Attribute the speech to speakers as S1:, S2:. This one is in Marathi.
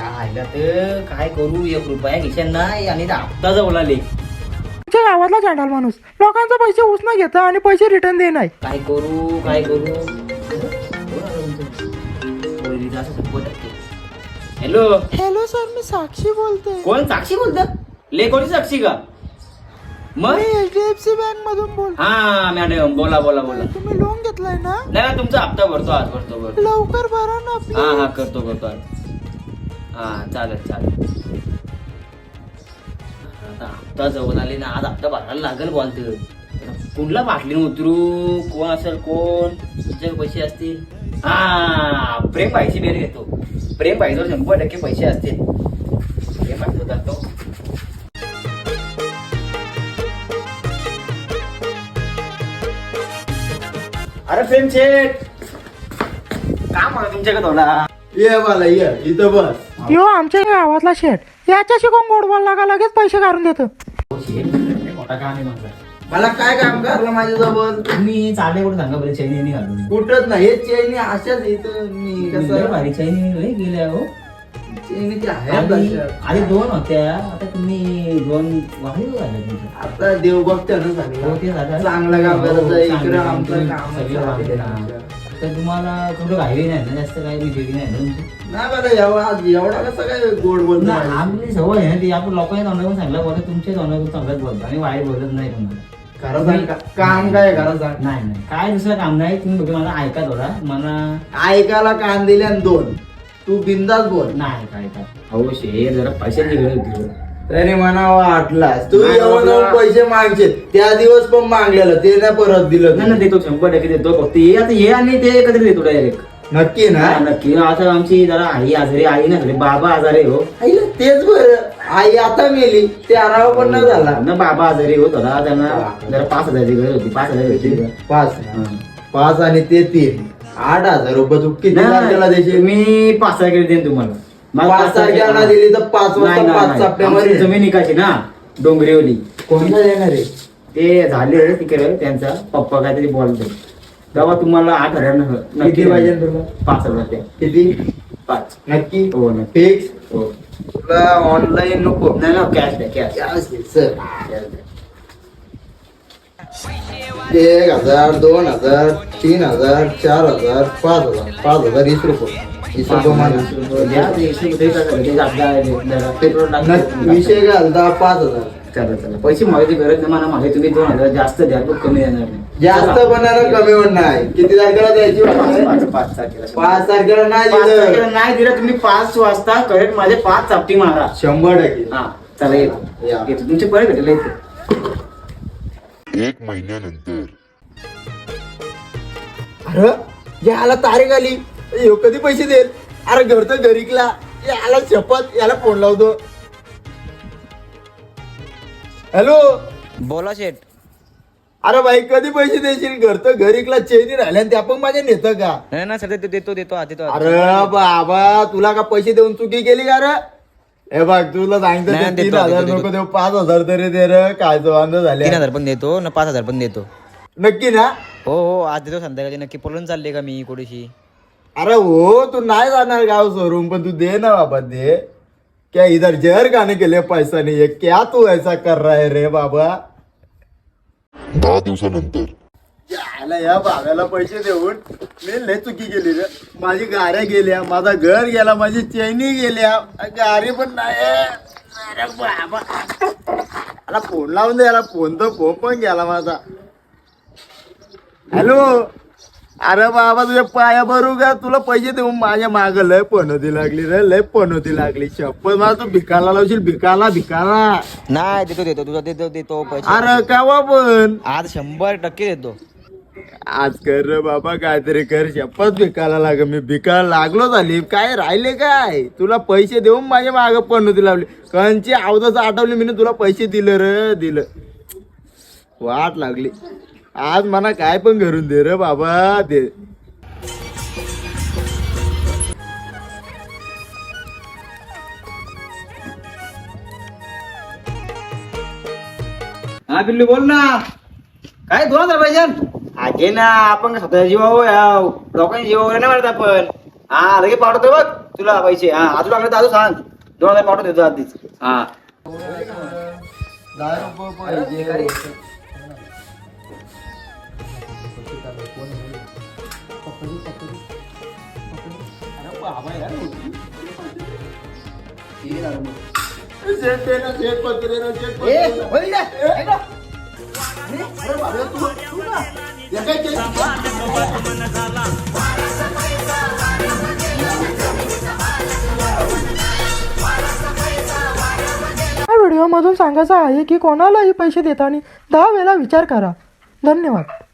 S1: आयला तर काय करू, 1 रुपया खिशात नाही आणि हप्ता जवळ आले.
S2: तुमच्या गावातला चांडाल माणूस लोकांचे पैसे उसना घेता आणि पैसे रिटर्न दे नाही.
S1: काय करू काय करू. हॅलो
S2: हॅलो सर, मी साक्षी बोलते.
S1: कोण? साक्षी बोलत? कोणी साक्षी का? मग
S2: HDFC बँक मधून बोलतो.
S1: हा मॅडम, बोला बोला बोला.
S2: तुम्ही लोन घेतलाय ना?
S1: नाही, तुमचा हप्ता भरतो आज, भरतो.
S2: लवकर भरा ना please.
S1: हा करतो आज. हा चालेल. आता हप्ता जवळ आले ना, आज हप्ता भरायला लागेल. बोलतो कुठला बाटली उतरू, कोण असेल, कोण तुमचे पैसे असतील. हा प्रेम भाईची बेर घेतो. प्रेम भाईजवळ 100% पैसे असतील. प्रेम भाईजवळ जातो. अरे प्रेम शेठ, काम म्हणा तुमच्याकडे थोडा.
S3: ये मला ये इथं बस.
S2: यो आमच्या गावातला शेठ, याच्याशी कोण गोड बोलला का लगेच पैसे काढून देतो.
S1: मोठा काम आहे माझा.
S3: मला काय काम करलं माझ्याजवळ?
S1: तुम्ही चालले कुठे सांगा बरं. चैनी घालून
S3: कुठंच नाही. हे चेनी अशाच इथं मी कसं
S1: भारी चैनी लय गेल्या हो.
S3: चेनी ते आहे
S1: आधी
S3: आपल्या.
S1: 2 होत्या, आता तुम्ही 2 वाढीव झाल्या तुमच्या.
S3: आता देव बघताना
S1: हो,
S3: सांगितलं
S1: ते झालं.
S3: चांगलं काम
S1: हो,
S3: करायचं इकडे
S1: चांगलं काम
S3: आमचं
S1: तुम्ही
S3: काम
S1: सगळं वाढले ना. तर तुम्हाला कुठं घाई नाही ना, जास्त काही बिघडी नाही ना तुमची.
S3: नाही बरं एवढा कसं काय गोड बोलतो
S1: नाही, आपली सवय आहे ना ती. आपण लोकांच्या तोंडातून सांगला बोलतो, तुमच्या तोंडातून चांगलाच बोलतो आणि वाईट बोलत नाही तुम्हाला.
S3: खरं सांग काम काय खरं सांग.
S1: नाही काय दुसरं काम नाही. तुम्ही बघा मला ऐका थोडा. मला
S3: ऐकायला कान दिले आणि 2 तू बिंदास बोल.
S1: नाही काय हो शेर, जरा पैशाची गरज होती.
S3: तरी म्हणावं आटलास तू.
S1: नाही
S3: येऊन
S1: बाबा.
S3: पैसे मागचे त्या दिवस पण मागलेलं ते नाही परत दिलं
S1: नाही ना, देतो 100% देतो. फक्त ये आता ये आणि ते कधी देतो डायरेक्ट.
S3: नक्की ना?
S1: नक्की. आता आमची जरा आई आजारी, आई ना झाली, बाबा आजारी हो.
S3: आईला तेच बरं. आई आता मेली. ते आराव पण नाही झाला
S1: ना, बाबा आजारी होत होता. त्यांना जरा 5,000ची गरज होती. 5,000 होती.
S3: 5 आणि ते 3 8,000 रुपये तू किती तारखेला देशील?
S1: मी 5 तारखेला देईन तुम्हाला.
S3: 5 तारखेला दिली तर 5 वाजता 5 सप्टेंबर
S1: जमीन निकाची ना डोंगरीवली.
S3: कोणता देणार आहे?
S1: ते झाले तिकडे, त्यांचा पप्पा काहीतरी बोलतो. तेव्हा तुम्हाला 8,000 नक्की
S3: किती पाहिजे तुला?
S1: 5,000.
S3: किती?
S1: 5.
S3: नक्की
S1: हो नक्की.
S3: फिक्स?
S1: हो.
S3: तुला ऑनलाईन नको?
S1: नाही ना, कॅश द्या, कॅश.
S3: कॅश घे, सर. 1,000 2,000 3,000 4,000 5,000 5,000 20 रुपये. 20 रुपये मला. विषय घालता 5,000.
S1: चला पैसे मागायची गरज नाही मला. मागे तुम्ही 2,000 जास्त द्या, पण कमी देणार नाही.
S3: जास्त बनायला कमी होत नाही. किती तारखेला द्यायची?
S1: 5 तारखेला.
S3: 5 तारखेला नाही
S1: 5
S3: दिलं.
S1: तारखेला नाही दिलं तुम्ही 5 वाजता करेक्ट माझे 5 चापटी मारा.
S3: 100%.
S1: हा चला येतो.
S3: या.
S1: येतो तुमचे परत भेटेल येतो.
S4: 1 महिन्यानंतर.
S3: अरे याला तारीख आली. ह्यो कधी पैसे देईल? अरे घर तर घरीकला. याला शपथ, याला फोन लावतो. हॅलो.
S5: बोला शेठ.
S3: अरे भाई कधी पैसे देशील? घर तर घरीकला. चेनी राहिल्या त्या पण माझ्या नेतं का?
S5: नाही सर, देतो
S3: अरे बाबा तुला का पैसे देऊन चुकी केली का रे? हे बघ तुला सांगतो
S5: नाही,
S3: ते
S5: देतो,
S3: 3,000
S5: देतो.
S3: नको देऊ, 5,000 तरी दे रे. काय वांद झाले.
S5: 3,000 पण देतो ना, 5,000 पण देतो.
S3: नक्की ना?
S5: हो आज देतो संध्याकाळी नक्की. पळून चालले का मी कुठेशी?
S3: अरे हो तू नाही जाणार गाव सोडून, पण तू दे ना बाबा दे. क्या इधर जहर खाने के लिए पैसा नहीं है क्या? तू ऐसा कर रहा है रे बाबा?
S4: 10 दिवसानंतर.
S3: याला या बाबाला पैसे देऊन मी लय चुकी केली रे. माझी गाड्या गेल्या, माझा घर गेला, माझी चैनी गेल्या, गाडी पण नाही. अरे बाबा याला फोन लावून दे. याला फोन पण गेला माझा. हॅलो. अरे बाबा तुझ्या पाया भरू का? तुला पैसे देऊन माझ्या माग लय पनोती लागली रे, लय पनोती लागली. शपथ मला तू भिकाला लावशील. भिकाला
S5: नाही देतो तुझा देतो पैसे.
S3: अरे कावा पण
S5: आज 100% देतो.
S3: आज कर रे बाबा, काहीतरी कर. शपथ भिकायला लाग. मी भिकायला लागलो झाली. काय राहिले काय? तुला पैसे देऊन माझ्या माग पनोती लावली. कंची अवधच आठवली मी तुला पैसे दिलं रे, दिलं. वाट लागली. आज मला काय पण घरून दे रे बाबा दे.
S1: हा पिल्लू बोल ना. काय 2,000 पाहिजे? आगे ना, आपण स्वतः जीवावर लोकांच्या जीवावर नाही मारत आपण. हा लगे पाठवतो बघ.
S5: तुला पैसे हा आजू लागले तर आजू सांग 2000 पाठवून देतो आधीच.
S1: हा
S2: या व्हिडिओमधून सांगायचं आहे की कोणालाही पैसे देताना 10 वेळा विचार करा. धन्यवाद.